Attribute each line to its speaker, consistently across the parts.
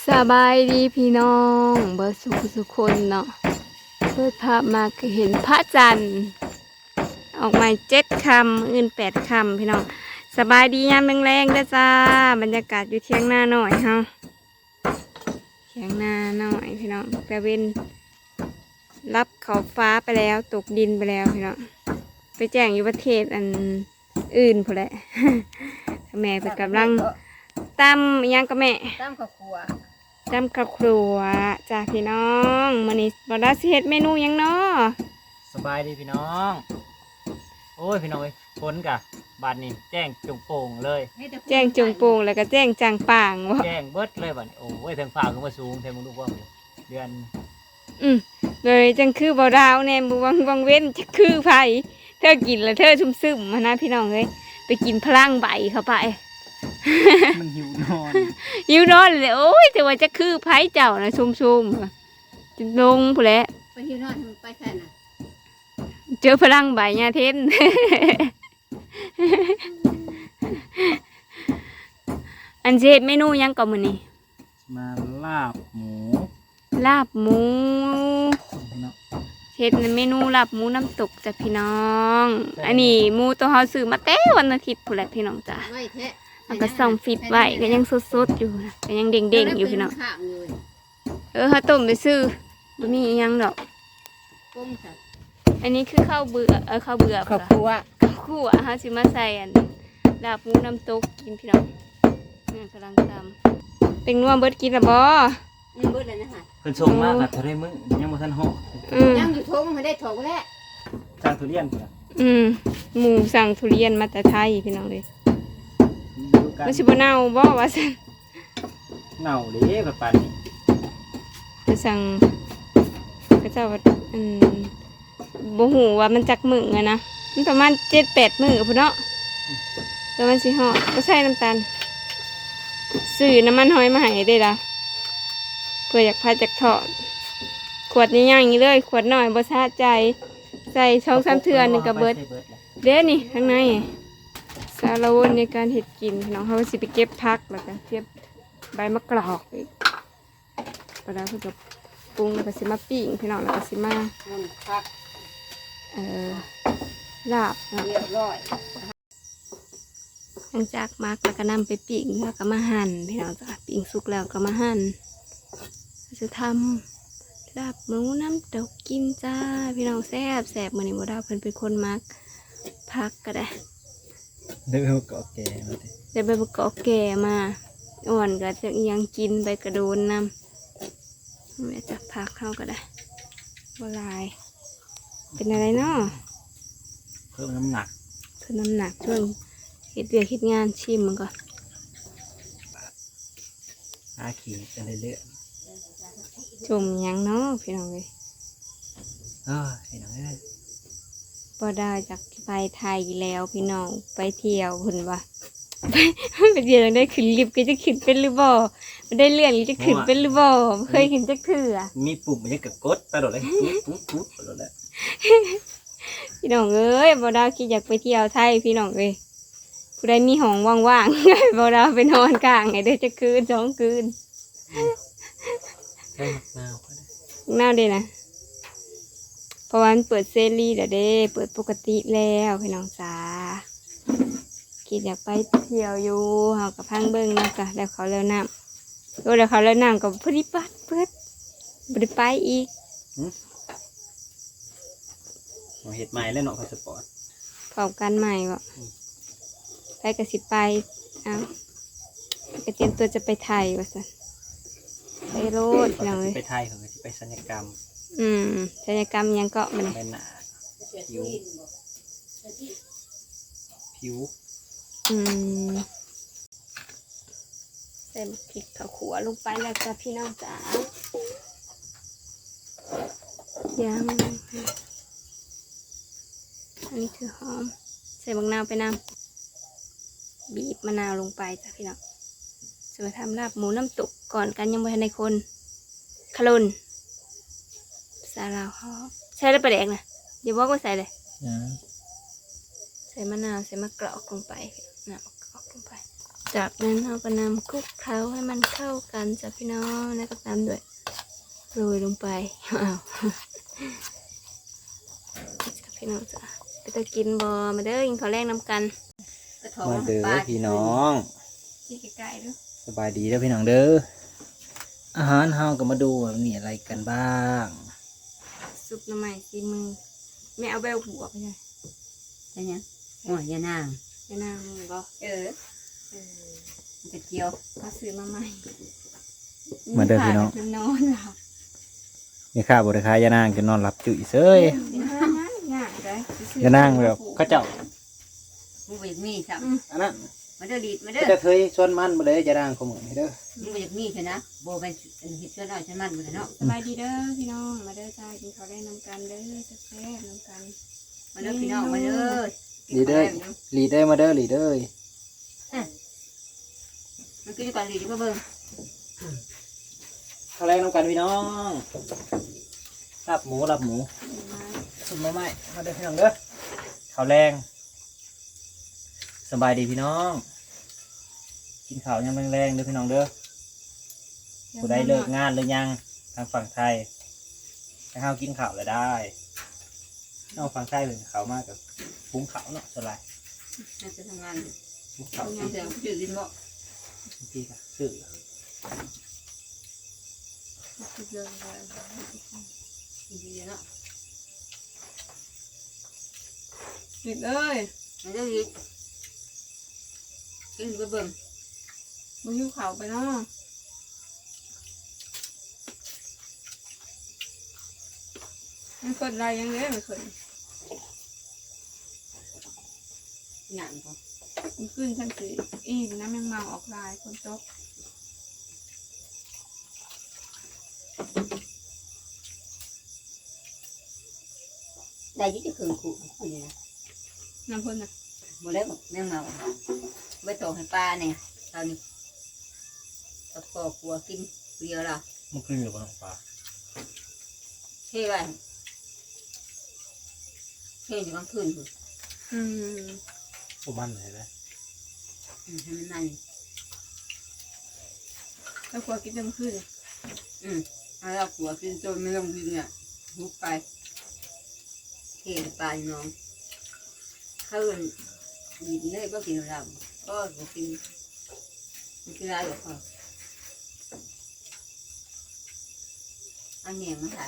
Speaker 1: สบายดีพี่น้องเบิร์สุขคนเนาะเปิดภาพมาก็เห็นพระจันทร์ออกมา7 คำอื่น8 คำพี่น้องสบายดียามแรงๆเด้อจ้าบรรยากาศอยู่เที่ยงหน้าหน่อยเฮาเที่ยงหน้าหน่อยพี่น้องแต่เว้นรับเขาฟ้าไปแล้วตกดินไปแล้วพี่น้องไปแจ้งอยู่ประเทศอันอื่นพอแหละ แม่ไปกำลังตำยังกับแม่
Speaker 2: ตามข้าวคั่ว
Speaker 1: จำกับครัวจ้าพี่น้องมื้อนี้บ่ได้สิเฮ็ดเมนูหยังเนาะ
Speaker 3: สบายดีพี่น้องโอ้ยพี่น้องเอ้ยฝนกะบาดนี้แจ้งจงโป่งเลย
Speaker 1: แจ้งจงโป่งแล้วก็แจ้งจางป่างบ่
Speaker 3: แจ้งเบิดเลยบาดนี้โอ้ยทางฝ่าขึ้นมาสูงแทนมึงดูว่าเดือน
Speaker 1: เลยจังคือบ่ดาวแน่บ่วังเว้นจะคือไผเธอกินแล้วเธอซึมๆมานะพี่น้องเอ้ยไปกินพลังใบเข้าไป
Speaker 3: มันหิวนอน
Speaker 1: อยู่นอนเลยโอ้ยแต่ว่าจะคือไผเจ้าน่ะซุ่มๆจะลงพุ่นแหละ
Speaker 2: ไปที่นอนทำไปแค่น่ะ
Speaker 1: เจอพลังใบญาเทน อันสิเฮ็ดเมนูหยังก่อนมื้อนี้
Speaker 3: มาลาบหมู
Speaker 1: ลาบหมู
Speaker 3: เนาะ
Speaker 1: เฮ็ดเมนูลาบหมูน้ำตกจ้ะพี่น้อง อันนี้หมูตัวเฮาซื้อมาแต่วันอาทิตย์พุ่นแหละพี่น้องจ้ะ
Speaker 2: ไว้แท้
Speaker 1: มันก็ส่องฟิตไว้ก็ยังสดๆอยู่นะก็ยังเด้งๆอยู่พี่น้อง
Speaker 2: ข้างอยู่
Speaker 1: เฮาต้มไปซื้อบ่มีอิหยังดอก
Speaker 2: ปุ้งสัตว์
Speaker 1: อันนี้คือข้าวเบื่อข้าวเบื่อ
Speaker 2: ข้าว
Speaker 1: ล่ะ
Speaker 2: คั่ว
Speaker 1: ข้าวคั่วเฮาสิมาใส่อันลาบหมูน้ำตกกินพี่น้องนี่กำลังตำเป็นนัวเบิดกินละบ่
Speaker 2: ยังเบิดเลยนะฮะ
Speaker 3: เพิ่นส่งมากอะเท่าไรมึงยังบ่ทันเหาะ
Speaker 2: ยังอยู่ทงไม่ได้ถกแล้ว
Speaker 3: สร้างทุเรียนพุ่นน่ะ
Speaker 1: หมูสั่งทุเรียนมาแต่ไทยพี่น้องเลย
Speaker 3: อยู่กัน
Speaker 1: มันสิบ่เน่าบ่ว่าซั่น
Speaker 3: เน่าเด้แบบปานนี้
Speaker 1: ไปสั่งก็เจ้าว่าบ่ฮู้ว่ามันจักมื้ออะนะมันประมาณ7-8 มื้อพุ่นเนาะแล้วมันสิฮอดก็ใส่น้ำตาลซื้อน้ำมันหอยมาให้ได้ล่ะเพื่ออยากพาจากทอดขวดใหญ่ๆอย่างนี้เลยขวดน้อยบ่สะใจใส่2-3เทื่อนึงก็เบิดเด้นี่ข้างในสารวนในการเฮ็ดกินพี่น้องเขาก็สิไปเก็บผักแล้วก็เก็บใบมะกรอกอีกปลาเพิ่นก็ปรุงแล้วก็สิมาปิ้งพี่น้องแล้วก็สิมา
Speaker 2: มันพัก
Speaker 1: ลาบเนาะ
Speaker 2: เรียบร้อย
Speaker 1: หลังจากมักแล้วก็นำไปปิ้งแล้วก็มาหั่นพี่น้องจ้ะปิ้งสุกแล้วก็มาหั่นจะทำลาบหมูน้ำตกกินจ้าพี่น้องแซ่บมื้อนี้บ่ดาวเพิ่นเป็นคนมักผักก็ได้
Speaker 3: เด้อเกาะแก่มาติ
Speaker 1: เดี๋ยวใบมะกอกแก่มาอ่อนก็จะยังกินใบกระโดนนำแม่จะพักเข้าก็ได้บลายเป็นอะไรเนาะ
Speaker 3: เพิ่มน้ำหนัก
Speaker 1: เพิ่มน้ำหนักช่วงเฮ็ดเวียกเฮ็ดงานชิมมันก่อน
Speaker 3: อาขีดกันเรื่อย
Speaker 1: จมหยังเนาะพี่น้องเลย
Speaker 3: ๆพี่น้องเอ้ย
Speaker 1: บ่ได้จากไปไทยแล้วพี่น้องไปเที่ยวพุ่นว่า ไปเที่ยวได้ขึ้นลิฟต์ก็จะขึ้นเป็นหรือบ่บ่ได้เลื่อนหรือจะขึ้นเป็นหรือบ่บ่เคยขึ้นจักเทื่อ
Speaker 3: มีปุ่มมันยังกะกดไปโดดเลยปุ๊บไปโดดแล้ว
Speaker 1: พี่น้องเอ้ยบ่ดาวคิดอยากไปเที่ยวไทยพี่น้องเอ้ยผู้ใดมีห้องว่างๆ ให้บ่ดาวไปนอนกลางให้ได้จะคืน2 คืน
Speaker 3: ได้มะนาวก็ได้
Speaker 1: น่าเด้นะเพราะว่ามันเปิดเซรีแล้วเด้เปิดปกติแล้วพี่น้องจ๋าคิดอยากไปเที่ยวอยู่เฮากับพังเบิ่งเนาะจ้ะแล้วเขาแล้วน้ำโอ้แล้วเขาแล้วน้ำก็พอดีปัดเปิดบ่ได้ไปอีก
Speaker 3: เอาเห็ดใหม่แล้วเนาะพาสปอร์ต
Speaker 1: พร้อมกันใหม่บ่ไปก็สิไปเอ้าก็เตรียมตัวจะไปไทยว่าซั่นไปโลดพี่น้องเอ้ย
Speaker 3: ไปไทยเขาก็สิไปศัลยกรรม
Speaker 1: ศัลยกรรมหยังก็มัน
Speaker 3: ใบหน้าผิวผิว
Speaker 1: ใส่พริกข้าวขัวลงไปแล้วจ้ะพี่น้องจ๋ายังอันนี้คือหอมใส่มะนาวไปน้ำบีบมะนาวลงไปจ้ะพี่น้องจะมาทำลาบหมูน้ำตกก่อนกันยังไม่ทันในคนขลุนสาลาวหอมใส่แล้วปลาแดกนะอย่าบอกว่าใส่เลยใส่มะนาวใส่มะกรอกลงไปน้ำมะกรอกลงไปจากนั้นเราก็นำคลุกเคล้าให้มันเข้ากันจ้ะพี่น้องแล้วก็ตามด้วยโรยลงไปอ้าวจ้ะพี่น้องจ้ะไปตะกินบอมาเด้อกินข้าวแรกน้ำกัน
Speaker 2: กระถง
Speaker 3: มาเด้อ
Speaker 2: ปลา
Speaker 3: พี่น้อง
Speaker 1: ที่ใกล้ๆด้วย
Speaker 3: สบายดีเด้อพี่น้องเด้ออาหารเฮาก็มาดูว่ามีอะไรกันบ้าง
Speaker 1: ซุปหน้ำใหม่ซีมือแม่เอาใบหัวไปเลย
Speaker 2: ใช่ยังโอ้ยยานาง
Speaker 1: ไปนางมึงก็
Speaker 2: เออมันจะเกี่ยว
Speaker 1: เขาซื้อมาใหม่
Speaker 3: มาเด้อพี่น้อง
Speaker 1: จะนอนหลับ
Speaker 3: มีข้าวบริคายยานางจะนอนหลับจุ๋ยเซย
Speaker 1: ง่ายเลย
Speaker 3: ยานางแบบเข้าเจ้า
Speaker 2: มึงไปจากมีสับ
Speaker 3: อันนั้น
Speaker 2: มาเด้อดีดมาเด้
Speaker 3: ก็
Speaker 2: อ
Speaker 3: จะเคยชวนมันมาเลยยานางของมึงเด้อ
Speaker 2: มึงไปจากมีใช่นะโบเป็นเห็ดเชื้อน้อยใช่มันเลยเนาะ
Speaker 1: สบายดีเด้อพี่น้องมาเด้อจ้ากินข้าวแรกน้ำกันเด้อแซ่บๆน้ำกัน
Speaker 2: มาเด้อพี่น้องมาเด้อ
Speaker 3: ลีเดอร์ลีเดอร์มาเด้อลีเดอร์
Speaker 2: มันกินก่อนดีดีกว่าเบิ่ง
Speaker 3: ข้าวแรงน้ำกันพี่น้องรับหมูสุดมาใหม่มาเด้อพี่น้องเด้อข้าวแรงสบายดีพี่น้อง กินข้าวยังแรงๆเด้อพี่น้องเด้อผู้ใดเลิกงานหรือยังทางฝั่งไทยให้ข้าวกินข้าวเลยได้นอกฝั่งไทยเป็นข้าวมากกับปุ้งข้าวเนาะสลาย
Speaker 2: น่าจะทำงาน
Speaker 3: ปุ้งข้าว
Speaker 2: ทำงานเสร็จจืดดินบ่
Speaker 3: บางทีก็ซื้อ
Speaker 2: ดีเนาะ
Speaker 1: ปิดเอ้ย
Speaker 2: มาเด้อดีกินไปเบิ่ง
Speaker 1: มึงหิวข้าวไปเนาะมันกดอะไรยังไงมันขึ้น
Speaker 2: งานก่อน
Speaker 1: มันขึ้นชั้นสี่อีกน้ำยังเมาออกลายคนตก
Speaker 2: ได้ยิ่งจะคืนขู่คนนี้นะ
Speaker 1: น้ำพ่นน่ะ
Speaker 2: บ่ได้บอกแม่งเมาไว้โตให้ป้าเนี่ยตอนนี้ตะปอกลัวกินเดียวละ
Speaker 3: มันขึ้นอยู่บนฟ้า
Speaker 2: เท่ไว้เท่อยู่กลางคืนคือ
Speaker 1: อืม
Speaker 3: ผมมันเลยนะ
Speaker 2: ให้มันนั่น
Speaker 1: แล้วกลัวกินเต็มขึ้น
Speaker 2: เอาเรากลัวกินจนไม่ต้องกินเนี่ยหุบไปเท่ปลาน้องเขาเอิ้นกินเลยก็กินเราก็กินกินอะไรหรอกเขาอันนี้มันถ่าย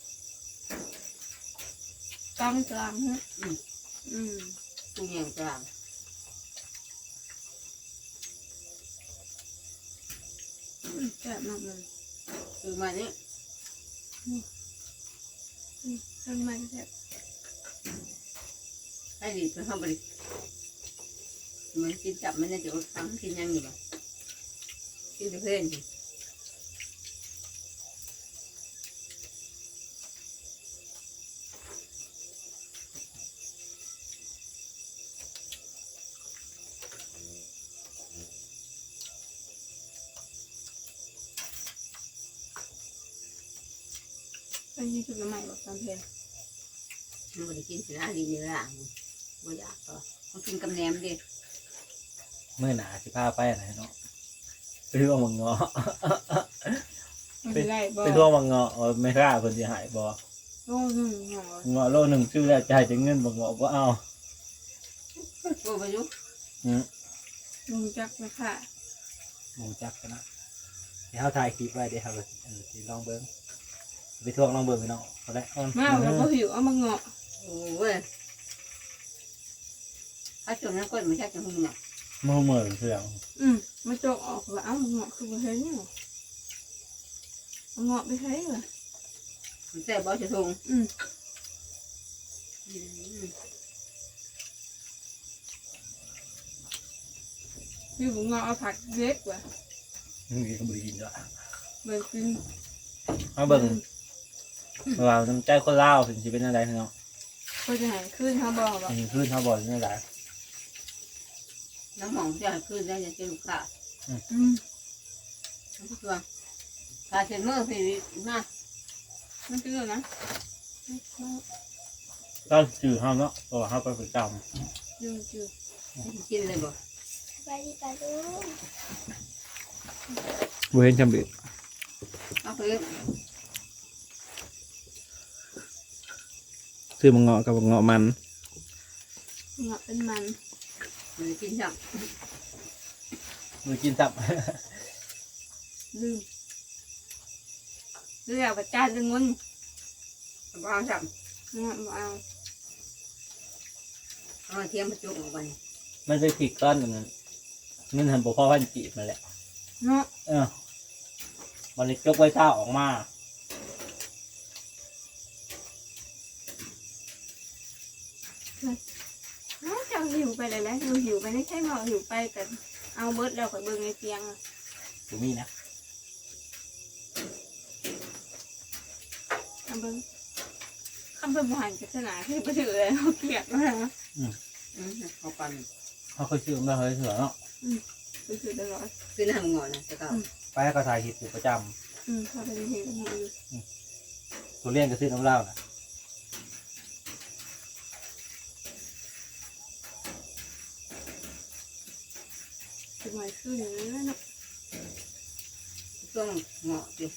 Speaker 1: ตั้งกลางฮะอืม
Speaker 2: ตู้เย็นกลาง
Speaker 1: แซ่บมากเลย
Speaker 2: คือมาเนี่ย
Speaker 1: ต้นไม้แซ่บ
Speaker 2: ให้ดีเพื่อเข้าไปมันกินจับมันจะอดทั้งกินยังอยู่บ่กินเพื่อนสิ
Speaker 1: อันนี้คือน้ำใหม่บอกตามเพลง
Speaker 2: มันไม่ได้กินสินะดีเนื้ออ่ะบ่อยากก็มันกินกับแหนมดิ
Speaker 3: เมื่อหนาสิพาไปอะไรเนาะไปทั่วมังเงาะ
Speaker 1: มันเป็นไรบอก
Speaker 3: ไปทั่วมังเงาะไม่กล้าคนที่หายบ่
Speaker 1: โอ้หนึ่งหน่อย
Speaker 3: เงาะโลหนึ่งชื่อแล้วจ่ายจะเงินบ่เงาะบ่เอา
Speaker 2: โอ้ไปยุ
Speaker 1: ลุงจักไหมค่ะ
Speaker 3: หมูจักกันนะเดี๋ยวเขาถ่ายคลิปไว้เดี๋ยวเขาสิลองเบิ้งไปทั่วลองเบิ้งพี่น้องเอาละ
Speaker 1: มาเราก็หิวเอามาเงาะ
Speaker 2: โอ้ยถ้าจมน้ำก้นมันชักจะหุ่นเนี่ย
Speaker 3: มือเหมือนเครื่อง
Speaker 1: มาโจกออกว่าเอ้าเงาะคือมาเห็นเนี่ยเอาเงาะไปใช้เหรอ
Speaker 2: มันแซ่บบ่จะทง
Speaker 1: พี่ผมเงาะเอาผักเล็กกว่า
Speaker 3: นี่ก็บริกินด้วย
Speaker 1: เหมือนกิน
Speaker 3: มาเบิ้งว่าน้ำใจคนลาวถึงสิเป็นอะไรพี่น้อง
Speaker 1: ก็จะหายขึ้นเขาบอกว่า
Speaker 3: นี่ขึ้นเขาบอกเป็นอะไร
Speaker 2: น้ำหอมจะให้ขึ้นได้จะเจอลูกค้าทุกตัวถ้าเช็ดมือพี่มา
Speaker 1: มันคือนะ
Speaker 3: ก็จืดห้ามเนาะเพราะว่าเขาไปประจ
Speaker 1: ยืด
Speaker 2: กินเลยบ่
Speaker 1: ไป
Speaker 4: ไปดีป่ะลูก
Speaker 3: บ่เห็นจำเป็น
Speaker 2: เอาไป
Speaker 3: ซื้อมังเงาะกับมังเงาะมัน
Speaker 1: เงาะเป็นมัน
Speaker 2: มันกินจับ
Speaker 3: มือกินซับ
Speaker 1: ลืมเรียกว่าจานจะงน
Speaker 2: เอาจับ
Speaker 1: เงาะบ่เอา
Speaker 2: เอาเทียมมาจุกออกไป
Speaker 3: มันไปผิดก้อนหนึ่งมันหันบ่พอพันจีบมาแหละ
Speaker 1: เนาะ
Speaker 3: มันเลยยกไว้เช้าออกมา
Speaker 1: เจ้าหิวไปเลยแหละเราหิวไปไม่ใช่หมอหิวไปกันเอาเบิร์ดแล้วก็เบิ่งในเตียงอะ
Speaker 3: บ่มีนะ
Speaker 1: เอาเบิ่งคำเพิ่มผ่านศาสนาคือไปถือเลยเขาเกลียดมากนะ
Speaker 2: เอาปัน
Speaker 3: เขาเคยซื้อมาเคยเถื่อเนาะ
Speaker 1: ไปถือตลอด
Speaker 2: ซื้อน้ำงอนนะจะเก่า
Speaker 3: ไปให้เขาถ่ายคลิปอยู่ประจ
Speaker 1: เขาไปเห็นกันอยู่
Speaker 3: ำตัวเลี้ยงก็ซื้อน้ำเหล้านะ
Speaker 1: สมัยขึ้นเลยเนาะ
Speaker 2: ต้องเงาะดิ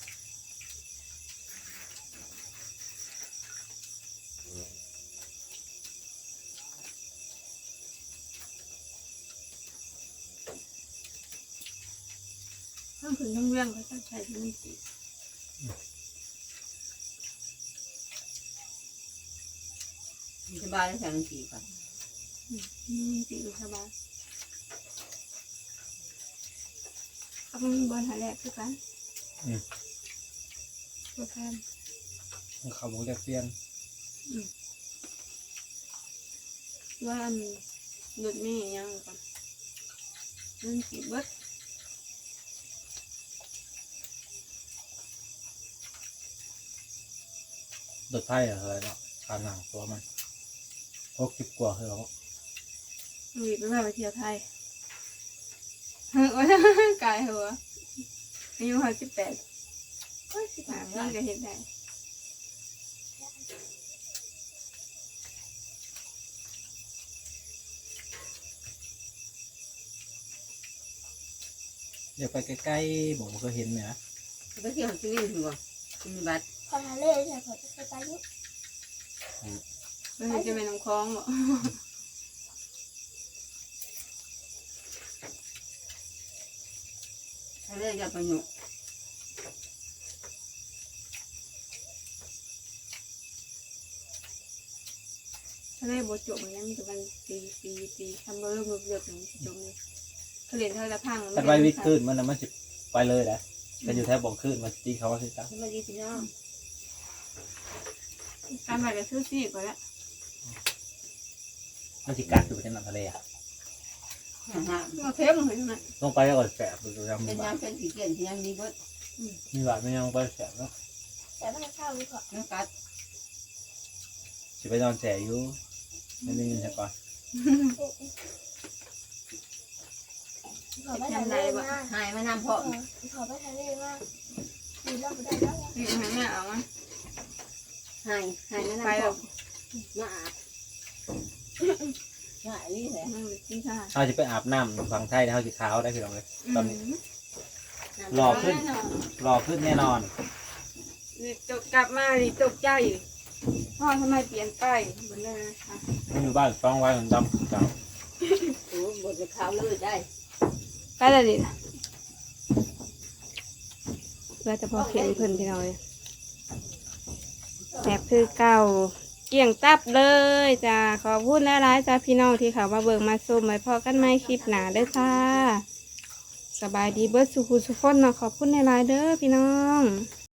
Speaker 1: ทั้งคืนทั้งเรื่องเขาจะใช้ที่มันสี
Speaker 2: สบายแล้วใส่มันสีก่อน
Speaker 1: สีสบายเขาเป็นบอลหาแรกคือกันตัวแทน
Speaker 3: เขาบอกจะเปลี่ยน
Speaker 1: ว่าอันหลุดไม่ยังก่อนมันสีเบิด
Speaker 3: รถไทยอะไรเนาะการหนังตัวมัน60 กว่าคือเขา
Speaker 1: หลุดไปไปเที่ยวไทยเฮ้ยกายหัวอายุ18ก็15ปีก็เห็นได้
Speaker 3: เดี๋ยวไปใกล้ๆผมเคยเห็นเนี่ยนะ
Speaker 2: ไปเที่ยวชีวิตหัวกินบัตร
Speaker 4: พอทะเลใช่พอจะไปไปลูก
Speaker 1: มันจะเป็นน้ำคลองเหรอ
Speaker 2: ถ้าเลือกจะประโยชน์
Speaker 1: ทะเลบดจบอย่างนี้มันจะเป็นตีทำเริ่มเลือกอย่างจมเลยเขาเรียนเท่าละพัง
Speaker 3: ถ้าไปวิทย์ขึ้นมันน่ะมันสิไปเลยนะแต่อยู่แถวบ่องขึ้นมันตีเขาว่าสิจ้า
Speaker 2: สวัสดีพี่น้อง
Speaker 1: การไปกับซื้อซีก่อนละ
Speaker 3: มันสิกัดอยู่ในน้ำทะเลอ่ะ
Speaker 1: มาเทปมันเห็นไหม
Speaker 3: ลงไปแล้วก็แสบดูจำ
Speaker 2: เป็น
Speaker 3: มีบาด
Speaker 2: น้ำเป็นสีเขียวที่ยังมีเบิด
Speaker 3: มีบาดไม่ยังไปแสบเนาะ
Speaker 4: แต่ไม่เข้าลูกเหรอ
Speaker 2: น้ำกัด
Speaker 3: สิไปนอนแสบอยู่ไม่ได้ยินใช่ก่อน
Speaker 4: ขอไปทะเลมาก
Speaker 2: หายมานำเพาะ
Speaker 4: ขอไปทะเลมากดีแล้วไม่ได้แล้ว
Speaker 1: นี่มันเนี่ยเอามา
Speaker 2: หายมานำ
Speaker 1: ไปแบ
Speaker 2: เพาะ
Speaker 1: บ
Speaker 2: มาอาบหายนี่แหละ
Speaker 1: มันที่ท่า
Speaker 3: เขาจะไปอาบน้ำฝั่งไทยแล้วเขาจะขาวได้พี่น้องเลยตอนนี้รอขึ้นแน่นอน
Speaker 1: นี่ตกกลับมาดิตกใจพ่อทำไมเปลี่ยนไปบนเลยนะคะ
Speaker 3: มันอยู่บ้านฟ้องไว้ของดำเก่า
Speaker 2: โอ้บดขาวเลยได้
Speaker 1: ไปเลยดิเพื่อจะพอเขียนเพิ่นพี่น้อยแบบคือเก่าเกี่ยงตับเลยจ้าขอพูดแล้วร้ายจ้าพี่น้องที่เขามาเบิ่งมาซุ่มไว้พอกันไหมคลิปหนาเด้อค่ะ สบายดีเบิร์ดสุขุสุขคนเนาะขอบคุณในไลน์เด้อพี่น้อง